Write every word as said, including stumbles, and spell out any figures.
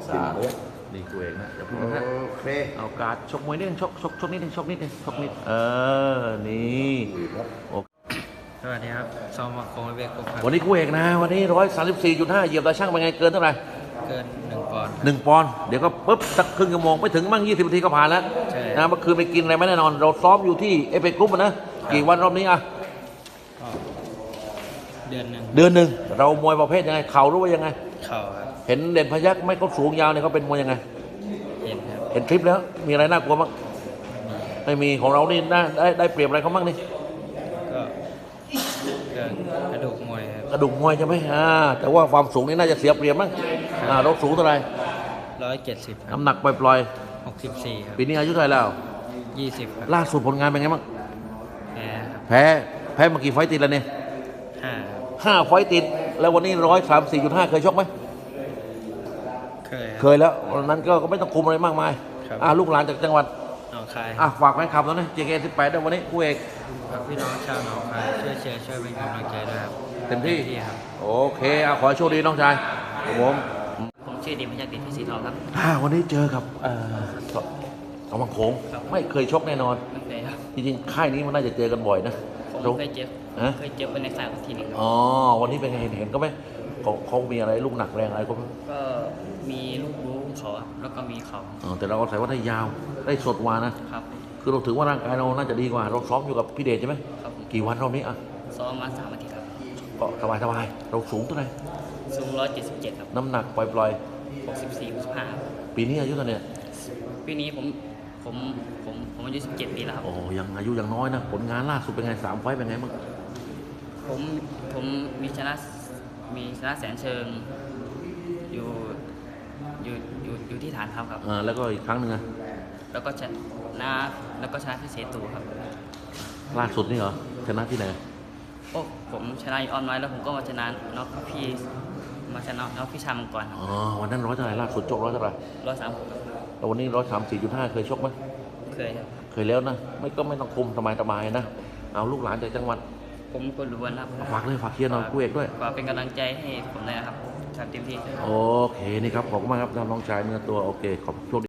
สามนี่กูเองนะอย่าพูดโอนะเคเอาการดชกมวยนิดนึงชกชกชกนิดนึงชกนิดนึงชกนิดเออนี่โอเคสวัสดีครับซอมมาโคงเวกครับวันนี้กูเอกนะวันนี้ร้อยสามสิบสี่จุดห้าเหยียบตาช่างเป็นไงเกินเท่าไหร่เกินหนึ่งปอนด์หนึ่งปอนด์เดี๋ยวก็ปุ๊บสักครึ่งชั่วโมงไม่ถึงมั่งยี่สิบนาทีก็ผ่านแล้วใช่นะเมื่อคืนไปกินอะไรไม่แน่นอน เราซ้อมอยู่ที่เอฟเอกรุ๊ปนะกี่วันรอบนี้อ่ะก็เดือนหนึ่งเดือนหนึ่งเรามวยประเภทยังไงเข่ารู้ว่ายังไงเข่าครับเห็นเด่นพยักไม่เขาสูงยาวเนี่ยเขาเป็นมวยยังไงเห็นครับเห็นคลิปแล้วมีอะไรน่ากลัวบ้างไม่มีของเรานี่น่าได้ได้เปรียบอะไรเขาบ้างนี่ก็เรื่องกระดูกมวยครับกระดูกมวยใช่ไหมอ่าแต่ว่าความสูงนี่น่าจะเสียเปรียบมั้งอ่าเราสูงเท่าไหร่ร้อยเจ็ดสิบครับน้ำหนักปล่อยหกสิบสี่ครับๆปีนี้อายุเท่าไหร่แล้วยี่สิบครับล่าสุดผลงานเป็นไงบ้างแพ้ครับแพ้แพ้มากี่ไฟต์ติดแล้วเนี่ยห้าห้าไฟต์ติดแล้ววันนี้ร้อยสามสี่จุดห้าเคยชกไหมเคยคเครับ ยแล้ววันนั้นก็ก็ไม่ต้องคุมอะไรมากมายครับอ่าลูกหลานจากจังหวัดหนองคายอ่ะฝากแฟนคลับแล้วนะเจเคสิบแปดด้วยวันนี้คู่เอกฝากพี่น้องชาวหนองคายช่วยเชียร์ช่วยเป็นกำลังใจด้วยครับเต็มที่ครับโอเคเอาขอให้โชคดีน้องชายครับผมผมชื่อดิมพยัคฆ์ดิษฐ์พิสิทธิ์ทองครับอ่าวันนี้เจอกับเอ่อสสวังโขงครับไม่เคยชกแน่นอนไม่เคยครับจริงๆค่ายนี้มันน่าจะเจอกันบ่อยนะผมเคยเจ็บฮะเคยเจ็บเป็นในสายทีหนึงครับอ๋อวันนี้เป็นไงเห็นเห็นก็ไหมเขาเขามีอะไรลูกหนักแรงอะไรก็ไม่ก็มีลูกรู้เขาครับแล้วก็มีเขาอ๋อแต่เราก็ใส่ว่าได้ยาวได้สดกว่านะครับ คือเราถือว่าร่างกายเราน่าจะดีกว่า เราซ้อมอยู่กับพี่เดชใช่ไหมครับผมกี่วันรอบนี้อ่ะซ้อมมาสามอาทิตย์ครับก็สบายสบายเราสูงเท่าไหร่สูงร้อยเจ็ดสิบเจ็ดครับน้ำหนักปล่อยหกสิบสี่หกสิบห้าๆ ปีนี้อายุเท่าไหร่เนี่ยปีนี้ผมผมผมผมอายุสิบเจ็ดปีแล้วครับโอ้ยังอายุยังน้อยนะผลงานล่าสุดเป็นไงสามไฟต์เป็นไงบ้างผมผมมีชนะมีชนะแสนเชิง อยู่อยู่อยู่อยู่ที่ฐานทัพครับอ่าแล้วก็อีกครั้งหนึ่งอะแล้วก็ชนะแล้วก็ชนะที่เสตูครับล่าสุดนี่เหรอชนะที่ไหนโอ้ผมชนะอยู่ออนไลน์แล้วผมก็มาชนะน็อกพี่มาชนะน็อกพี่ชามังกรครับอ๋อวันนั้นร้อยเท่าไหร่ล่าสุดชกร้อยเท่าไหร่ร้อยสามแล้ววันนี้ร้อยสามสี่จุดห้าเคยชกไหมเคยครับเคยแล้วนะไม่ก็ไม่ต้องคุมสบายสบายๆนะเอาลูกหลานจากจังหวัดผมคนรู้วันครับฝากเลยฝากเชียร์หน่อยคู่เอกด้วยฝากเป็นกำลังใจให้ผมเลยนะครับทำเต็มที่โอเคนี่ครับขอบคุณมากครับน้องชายเนื้อตัวโอเคขอบคุณ